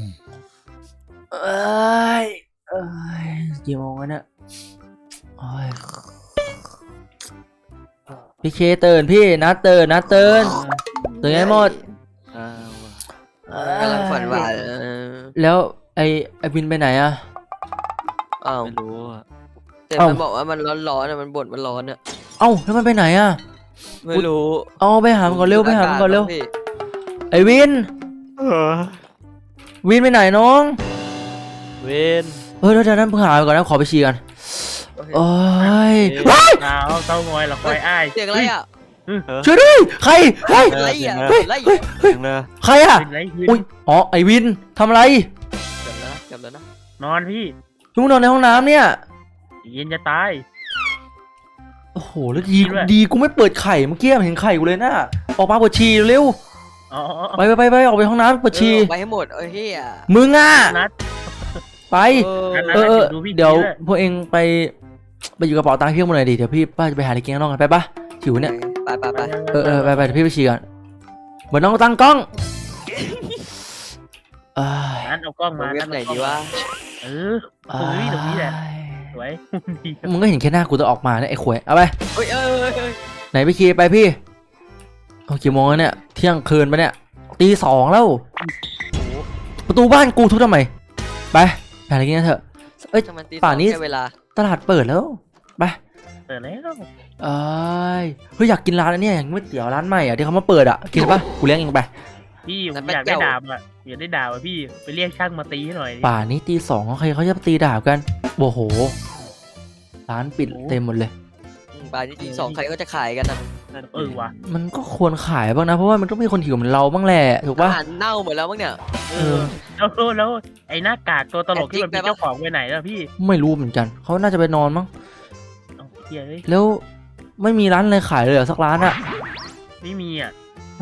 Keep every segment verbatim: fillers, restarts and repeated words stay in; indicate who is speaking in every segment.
Speaker 1: เอ้ยเอ้ยกี่โมงแล้วเนี่ยโอ้ยพี่เคตื่นพี่นัดตื่นนัดตื่นตื่นให้หมด
Speaker 2: กำลังฝันหวาน
Speaker 1: แล้วไอไอวินไปไหนอะ
Speaker 2: อ้าว
Speaker 3: ไม่รู้อ่ะ
Speaker 2: แต่มันบอกว่ามันร้อนๆอ่ะมันบ่นมันร้อนอ่ะ
Speaker 1: เอ้าแล้วมันไปไหนอะ
Speaker 2: ไม่รู้
Speaker 1: เอาไปหามันก่อนเร็วไปหามันก่อนเร็วไอวินวินไปไหนน้อง
Speaker 3: เวน
Speaker 1: เออเดี๋ยวนั้นเพิ่งหาไปก่อนนะขอไปฉี่กันโอ้ย
Speaker 4: หนาวเต้างอยหรอคอยอ้าย
Speaker 2: เสียงอะไรอ่ะ
Speaker 1: ช่วยด้วยใครเฮ้ย
Speaker 2: อะไรอ่ะ
Speaker 1: เฮ้ย
Speaker 2: อะไร
Speaker 1: เฮ้ยเฮ้ยใครอะอุ้ยอ๋อไอวินทำอะไร
Speaker 2: จำแล้วจำแล้วนะ
Speaker 4: นอนพี่
Speaker 1: ลุงนอนในห้องน้ำเนี่ย
Speaker 4: เย็นจะตาย
Speaker 1: โอ้โหแล้วดีดีกูไม่เปิดไข่เมื่อกี้เห็นไข่กูเลยนะออกมาเปิดฉี่เร็วไปไปไปไปออกไปห้องน้ำเปิดฉี่
Speaker 2: ไปให้หมดเอ้ยเฮีย
Speaker 1: มึงอ่ะไปเออเออเดี๋ยวพวกเองไปไปอยู่กระเป๋าตังค์พี่หมดเลยดิเดี๋ยวพี่ป้าจะไปหาอะไรกินข้างนอกกันไปปะหิวเนี่ย
Speaker 2: ไปไปไป
Speaker 1: เออเออไปไปเดี๋ยวพี่ไปฉี่ก่อนเหมือนน้องตั้งกล้อง
Speaker 4: นั่นเอากล้องมา
Speaker 2: ไหนดีวะ
Speaker 4: เออตรงนี้ตรงนี้แหละสวย
Speaker 1: มึงก็เห็นแค่หน้ากูจะออกมาเนี่ยไอ้ขวยเอาไป
Speaker 2: เอ้ยเอ้ย
Speaker 1: ไหนไปขี่ไปพี่โอ้กี่โมงแล้วเนี่ยเที่ยงคืนปะเนี่ยตีสองแล้วประตูบ้านกูทุบทำไมไปหาอะไรกินกันเถอะเอ้ยป่านนี้ตลาดเปิดแล้วไป
Speaker 4: เปิดแล้ว
Speaker 1: เอ้ยเฮ้ยอยากกินร้านอันนี้อย่างก๋วยเตี๋ยวร้านใหม่อ่ะที่เขามาเปิดอ่ะกินปะกูเลี้ยงเองไป
Speaker 4: พี่ผมอยากได้ดาบอ่ะอยากได้ดาบอ่ะพี่ไปเรียกช่างมาตีให้หน่อย
Speaker 1: ป่านนี้ตีสองใครเขาจะตีดาบกันโอ้โหร้านปิดเต็มหมดเลย
Speaker 2: ป่านนี้ตีสองใครก็จะขายกันนะ
Speaker 4: เออวะ
Speaker 1: มันก็ควรขายบ้างนะเพราะว่ามันต้องมีคนหิวเหมือนเราบ้างแหละถูกปะ
Speaker 2: อาหารเน่าหมดแล้วมั้งเนี่ย
Speaker 4: เออแล้วแล้วไอ้หน้ากากตัวตลกที่มันเป็นเจ้าของไปไหนแล้วพี่
Speaker 1: ไม่รู้เหมือนกันเขาน่าจะไปนอนมั้งแล้วไม่มีร้านอะไรขายเลยเหรอสักร้านอะ
Speaker 4: ไม่มีอ่ะ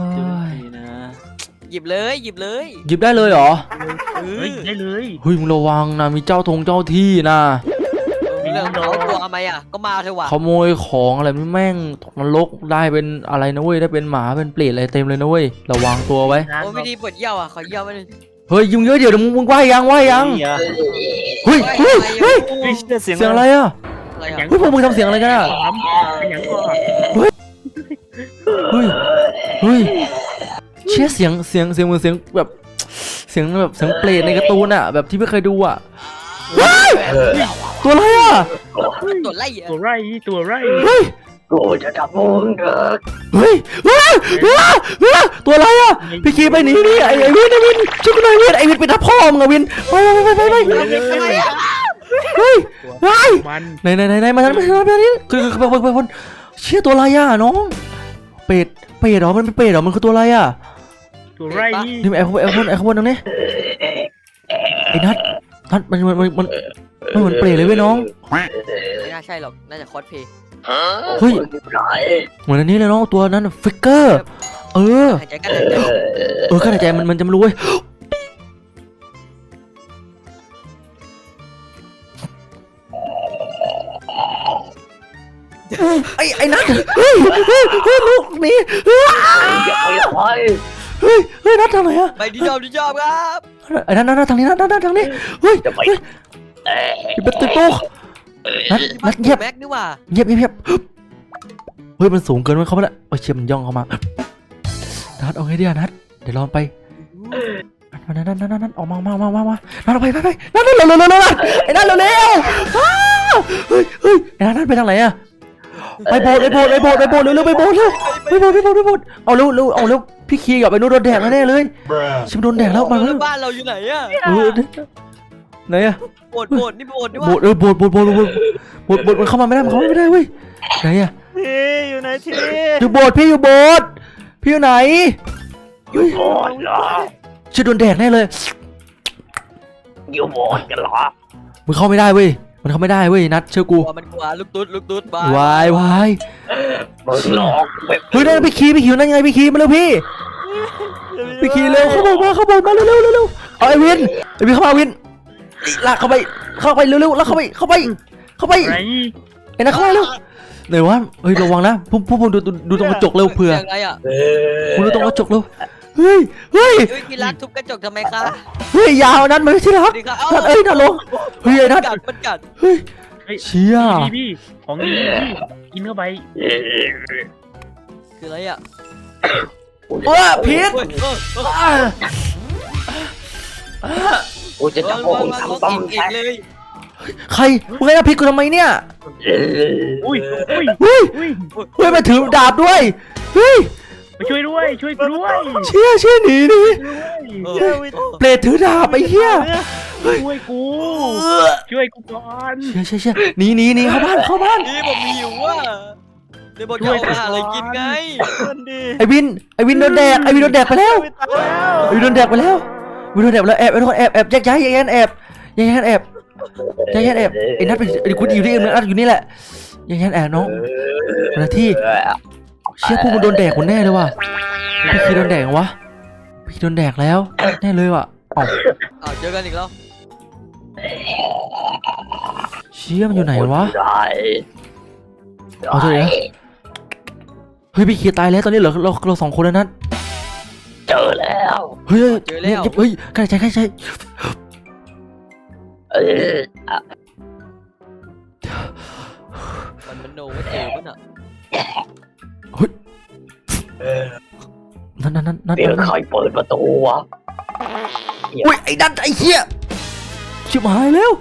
Speaker 2: หยิบเลยหยิบเลย
Speaker 1: หยิบได้เลยเหรอ
Speaker 4: เฮ้ยได้เลย
Speaker 1: เฮ้ยมึงระวังนะมีเจ้าทงเจ้าที่นะ
Speaker 2: เรื่องเขาตัวทำไมอ่ะก็มาเถอะวะ
Speaker 1: ขโมยของอะไรแม่งตกนรกได้เป็นอะไรนะเว้ยได้เป็นหมาเป็นเปรตอะไรเต็มเลยนะเว้ยระวังตัวไว้
Speaker 2: โอ้ไม่ดีปวดเยี่ยวอ่ะขอเยี่ยวมาหนึ่ง
Speaker 1: เฮ้ยยุ่งเยอะเดี๋ยวมึงมึงไหวยังไหวยังเฮ้ยเฮ้ยเฮ้ยเสียงอะไรอ่ะเฮ้ยพวกมึงทำเสียงอะไรกันอ่ะเฮ้ยเฮ้ยเฮ้ยเชี่ยเสียงเสียงเสียงเหมือนเสียงแบบเสียงแบบเสียงเปรตในการ์ตูนอ่ะแบบที่ไม่เคยดูอ่ะตัวอะไรอ่ะ
Speaker 2: ตัวไร
Speaker 4: ตัวไรตัวไร
Speaker 1: เฮ้ย
Speaker 3: กูจะจับมึงเด็ก
Speaker 1: เฮ้ยตัวอะไรอ่ะพี่คีไปหนีนี่ไอ้ไอ้วินไอ้วินช่วยกูหน่อยวินไอ้วินไปทับพ่อมึงอะวินไปไปไปไปไปเฮ้ยเฮ้ยไหนไหนไหนไหนมาทางนี้มาทางนี้คือคือไปไปไปเชี่ยตัวอะไรอ่ะน้องเป็ดเป็ดเหรอมันเป็นเป็ดเหรอมันคือตัวอะไรอ่ะ
Speaker 4: ตัวไร
Speaker 1: นี่ไอ้ขบวนไอ้ขบวนไอ้ขบวนตรงนี้ไอ้นัทนัทมันมันมันมันมันเหมือนเปรตเลยเว้ยน้อง
Speaker 2: ไม่น่าใช่หรอกน่าจะคอสเพย์
Speaker 1: เฮ้ยเหมือนอันนี้เลยน้องตัวนั้นฟิกเกอร์เออเออขนาดใจมันมันจะไม่รู้เว้ยไอ้ไอ้นัทเฮ้ยเฮ้ยเฮ้ยลูกนี่เฮ้ยเฮ้ยเฮ้ยนัททำไมอะ
Speaker 2: ไปดีจอบดีจอบครับ
Speaker 1: ไอ้นัทนัททางนี้นัทนัททางนี้เฮ้ยเฮ้ยเป็นตุ๊กตุ๊กนัทนัทเงียบ
Speaker 2: แม็กนี่ว่า
Speaker 1: เงียบเงียบเฮ้ยมันสูงเกินมันเข้ามาแล้วโอ้ยเชี่ยมันย่องเข้ามานัทเอาไงดีอะนัทเดี๋ยวลองไปนัทนัทนัทนัทออกมามามามามานัทไปไปไปนัทนัทเร็วเร็วเร็วเร็วไอ้นัทเร็วเร็วเฮ้ยเฮ้ยไอ้นัทนัทไปทางไหนอะไปโบสไปโบสไปโบสไปโบสเร็วเร็วไปโบสเร็วไปโบสไปโบสไปโบสเอาเร็วเร็วเอาเร็วพี่คีกับไอ้นู้นโดนแดดแน่เลยชิมโดนแดดแล้วมาแล้ว
Speaker 2: บ้านเราอยู่ไหนอะ
Speaker 1: ไหนอะ
Speaker 2: โบสโบสนี่โบสนี่ว่า
Speaker 1: โบสเออโบสโบสโบสโบสโบสโบสมันเข้ามาไม่ได้มันเข้ามาไม่ได้เว้ยไหนอะ
Speaker 3: พี่อยู่ไหนที่
Speaker 1: อยู่โบสพี่อยู่โบสพี่อยู่ไหน
Speaker 3: อยู่โบสเหรอ
Speaker 1: ชิมโดนแดดแน่เลย
Speaker 3: อยู่โบสกันเหรอ
Speaker 1: มึงเข้าไม่ได้เว้ยมันเข้าไม่ได้เว้ยนัดเชื่อกู
Speaker 2: มันกลัวลูกตุ๊ดลูกตุ๊ด
Speaker 1: วายวาย
Speaker 3: มึงหลอก
Speaker 1: เฮ้ยนั่นพี่คีพี่คิวนั่นไงพี่คีมาเร็วพี่พี่คีเร็วเข้ามาเข้ามามาเร็วเร็วเร็วเอาไอ้วินไอ้วินเข้ามาวินลากเข้าไปเข้าไปเร็วเร็วลากเข้าไปเข้าไปเข้าไปไอ้นัทเข้ามาเร็วไหนวะเฮ้ยระวังนะพุ่งพุ่งดูดูตรงกระจกเร็วเผื่อมึงดูตรงกระจกเร็วเฮ้ยเฮ้ย
Speaker 2: เฮ้ยพี่รักทุบกระจกทำไมคะ
Speaker 1: เฮ้ยยาวนัดมันไม่ใช่รั
Speaker 2: ส
Speaker 1: ก
Speaker 2: วัสดีครับ
Speaker 1: นัดเอ้ยนัดลงเฮ้ยไอ้นัด
Speaker 2: กัดมันกัด
Speaker 1: เฮ้ย
Speaker 4: เฮ้ย
Speaker 1: เชี่ย
Speaker 4: พี่พี่ของดีพี่กินเข้าไป
Speaker 2: คืออะไรอ่ะ
Speaker 1: โอ้ยพิษ
Speaker 2: เฮ้ยเฮ้ยเฮ้ย
Speaker 1: อ่า
Speaker 3: กูจะจับพวกคุณทำต้ม
Speaker 2: อีก
Speaker 3: แท้
Speaker 2: เลย
Speaker 1: ใครมึงให้พิษกูทำไมเนี่ย
Speaker 4: อุ้ยอุ้ย
Speaker 1: เฮ้ย
Speaker 4: อุ้ย
Speaker 1: เฮ้ยมาถือดาบด้วยเฮ้ย
Speaker 4: มาช่วยด้วยช่วยกูด้วย
Speaker 1: เชี่ยเชี่ยหนีหนี
Speaker 2: เอ
Speaker 3: เฮ้
Speaker 2: อย
Speaker 1: เปรตถือดาบไอ้เหี้ย
Speaker 4: ช่วยกูช่วยกูก่อน
Speaker 1: เชี่ยเชี่ยเชี่ยหนีหนีหนีเข้าบ้านเข้าบ้าน
Speaker 2: นี่ผมหิวอ่ะเดี๋ยวบอกจะเอาไปหาอะไรกินไง
Speaker 3: คนดี
Speaker 1: ไอ้วินไอ้วินโดนแดกไอ้วินโดนแดกไปแล้ว
Speaker 3: ไม่ตายแล้ว
Speaker 1: ไอ้วินโดนแดกไปแล้ววินโดนแดกไปแล้วแอบไอ้ทุกคนแอบแอบแยกย้ายแยกย้ายแอบแยกย้ายแอบแยกย้ายแอบไอ้นัทไปไอ้คุณอยู่ที่อื่นนัทอยู่นี่แหละแยกย้ายแอบน้องคนละที่เชี่ยพวกมันโดนแดกคนแน่เลยว่ะพี่คีโดนแดกเหรอวะพี่คีโดนแดกแล้วแน่เลยว่ะอ๋อ
Speaker 2: อ้าวเจอกันอีกแล้ว
Speaker 1: เชี่ยมันอยู่ไหนวะ
Speaker 3: ได้
Speaker 1: เอาเถอะนะเฮ้ยพี่คีตายแล้วตอนนี้เหลือเราเราสองคนแล้วนัท
Speaker 3: เจอแล้ว
Speaker 1: เฮ้ยเฮ้ยเฮ้ยใกล้ใจใกล้ใจ
Speaker 3: เออ
Speaker 2: มันมันโนว่าเจอป่ะน่ะ
Speaker 1: นั่นนั่นนั่นนั่น
Speaker 3: เดี๋ยวใครเปิดประตูวะ
Speaker 1: อุ้ยไอ้นัทไอ้เหี้ยชิบหายแล้ว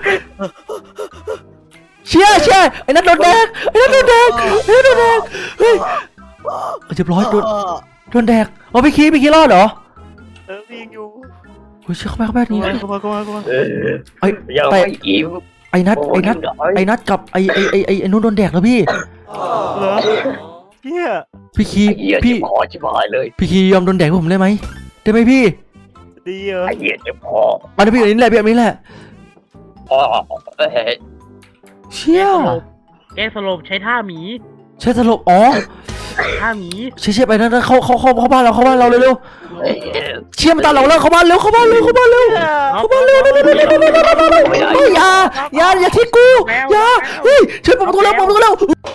Speaker 1: เชี่ยเชี่ยไอ้นัทโดนแดกไอ้นัทโดนแดกไอ้นัทโดนแดกเฮ้ยเรียบร้อยโดนโดนแดกอ๋อพี่คีพี่คีรอดเหรอ
Speaker 3: เออวิ่งอยู่
Speaker 1: เฮ้ยเชี่ยเข้าไปเข้าไปนี่
Speaker 3: เข้ามาเข้ามาเข้ามาเออ
Speaker 1: ไอ้
Speaker 3: ยังไม่อิ่ม
Speaker 1: ไอ้นัทไอ้นัทไอ้นัทกับไอ้ไอ้ไอ้ไอ้ไอ้นู้นโดนแดกแล้วพี่
Speaker 3: เหรอเฮีย
Speaker 1: พี่คี
Speaker 3: เฮีย
Speaker 1: พี่
Speaker 3: จะพอชิบหายเลย
Speaker 1: พี่คียอมโดนแดกให้ผมได้ไหมได้ไหมพี่
Speaker 3: ดีเหรอไอ้เฮียจะพอ
Speaker 1: มาที่พี่อันนี้แหละพี่อันนี้แหละ
Speaker 3: อ๋อเอ้ย
Speaker 1: เชี่ย
Speaker 4: แกสลบใช้ท่าหมี
Speaker 1: ใช่สลบอ๋อ
Speaker 4: ท่าหมี
Speaker 1: เชี่ยเชี่ยไปนะเข้าเข้าเข้าเข้าบ้านเราเข้าบ้านเราเร็ว
Speaker 3: เอ้ย
Speaker 1: ๆเชี่ยมันตามเราแล้วเข้าบ้านเร็วเข้าบ้านเร็วเข้าบ้านเร็ว
Speaker 4: เอา
Speaker 1: เข้าบ้านเร็วเร็วเร็วเร็วเร็วเร็วเร็วเร็วเฮ้ยอย่าอย่าอย่าทิ้งกูอย่าเฮ้ยช่วยเปิดประตูแล้วเปิดประตูแล้ว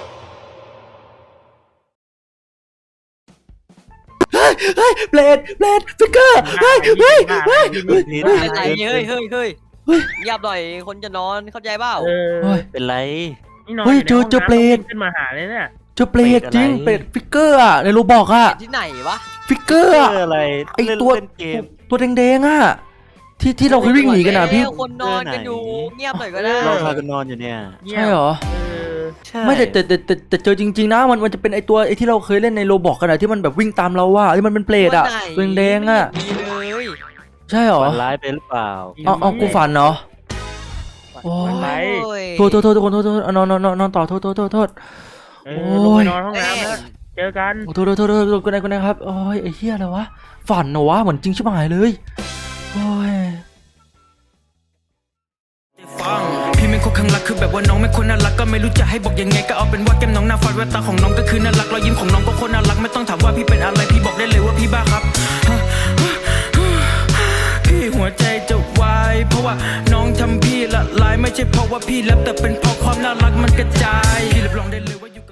Speaker 1: เฮ้ยเฮ้ยเบลดเบลดฟิกเกอร์เฮ้ยเฮ้ยเฮ้ยเฮ้ย
Speaker 2: เฮ้ยอะไรเฮ้ยเฮ้ยเฮ้ยเงียบหน่อยคนจะนอนเข้าใจเปล่า
Speaker 4: เออ
Speaker 1: เฮ้ย
Speaker 5: เป็นไร
Speaker 4: นี่นอน
Speaker 1: เฮ้ย
Speaker 4: ยู่ใน
Speaker 1: เจอเจอ
Speaker 4: ห้งน้ำ
Speaker 1: เปรต
Speaker 4: ขึ้นมาหาเลยเนี่ย
Speaker 1: เจ้าเปลด
Speaker 5: เป็ดอะไร
Speaker 1: จริงเปลดฟิกเกอร์อะในโรบอกอะ
Speaker 2: ที่ไหนวะ
Speaker 1: ฟิกเกอร์
Speaker 5: เพื่
Speaker 1: อะ
Speaker 5: ออะไร
Speaker 1: ไอ้
Speaker 5: เล่น
Speaker 1: ตัว
Speaker 5: เล่นเกม
Speaker 1: ตัวแดงๆอะที่ที่เราเคยวิ่งหนีกันอะพี่
Speaker 2: คนนอนกันอยู่เงียบหน่อยก็ได้
Speaker 5: เราพากันนอนอยู่เนี่ย
Speaker 4: เงียบ
Speaker 1: ใช่เหรอ
Speaker 4: เออ
Speaker 5: ใช่
Speaker 1: ไม่แต่แต่แต่แต่แต่เจอจริงๆนะมันมันจะเป็นไอตัวไอที่เราเคยเล่นในโรบอกกันอะที่มันแบบวิ่งตามเราอะที่มันเป็นเปรตอะตัวแดงๆอะ
Speaker 2: ดีเลย
Speaker 1: ใช่เหรอ
Speaker 5: ฝันร้ายไปหรือเปล่า
Speaker 1: เอาเอากูฝันเหรอโอ้
Speaker 4: ไป
Speaker 1: ยโทษโทษโทษทุกคนโทษโทษเอานอนนอนนอนนอนต่อโทษโทษโทษโทษ
Speaker 4: เอ
Speaker 1: โอ้
Speaker 4: อลง
Speaker 1: ย
Speaker 4: ไปนอนห้องน้ำนะเจอกัน
Speaker 1: โทษโทษโทษโทษโทษกูนายกูนายครับโอ้ยไอ้เหี้ยอะไรวะฝันเหรอวะเหมือนจริงชิบหายเลยโอ้ย
Speaker 6: ฟังพี่ไม่ควรข้างรักคือแบบว่าน้องไม่ควรน่ารักก็ไม่รู้จะให้บอกยังไงก็เอาเป็นว่าแก้มน้องหน้าฟัดแววตาของน้องก็คือน่ารักรอยยิ้มของน้องก็โคตรน่ารักไม่ต้องถามว่าพี่เป็นอะไรพี่บอกได้เลยว่าพี่บ้าครับพี่หัวใจจะวายเพราะว่าน้องทำพี่ละลายไม่ใช่เพราะว่าพี่แลบแต่เป็นเพราะความน่ารักมันกระจายพี่รับรองได้เลยว่าอยู่